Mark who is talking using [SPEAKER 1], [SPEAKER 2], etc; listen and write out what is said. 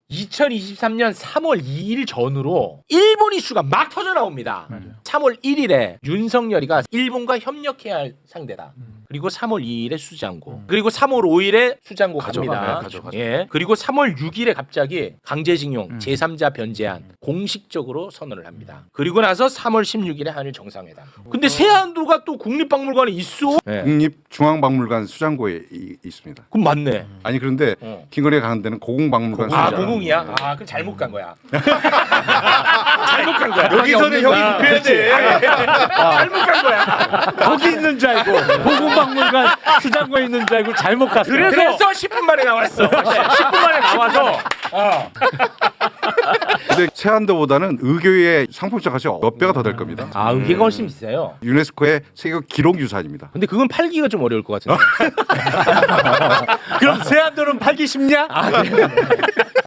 [SPEAKER 1] 2023년 3월 2일 전후로 일본 이슈가 막 터져 나옵니다. 3월 1일에 윤석열이가 일본과 협력해야 할 상대다. 그리고 3월 2일에 수장고. 그리고 3월 5일에 수장고 갑니다. 예. 그리고 3월 6일에 갑자기 강제징용 제3자 변제안 공식적으로 선언을 합니다. 그리고 나서 3월 16일에 한일 정상회담. 근데 세안도가 또 국립박물관에 있어? 예.
[SPEAKER 2] 국립중앙박물관 수장고에 있습니다.
[SPEAKER 1] 그럼 맞네.
[SPEAKER 2] 아니 그런데 김건희가 가는 데는 고궁박물관.
[SPEAKER 1] 아,
[SPEAKER 2] 수장고.
[SPEAKER 1] 고궁이야? 아, 그럼 잘못 간 거야. 잘못 간 거야.
[SPEAKER 3] 여기서는 형이 굽혀야 돼.
[SPEAKER 1] 잘못 간 거야.
[SPEAKER 4] 거기 있는 줄 알고 고궁박물관 수장고에 있는 줄 알고 잘못 갔어.
[SPEAKER 1] 그래서 10분 만에 나왔어. 10분 만에 나와서.
[SPEAKER 2] 근데 세안도보다는 의교의 상품적 가치가 몇 배가 더 될 겁니다.
[SPEAKER 1] 아, 이게 훨씬 비싸요.
[SPEAKER 2] 유네스코의 세계 기록유산입니다.
[SPEAKER 1] 근데 그건 팔기가 좀 어려울 것 같은데.
[SPEAKER 4] 그럼 세안도는 팔기 쉽냐?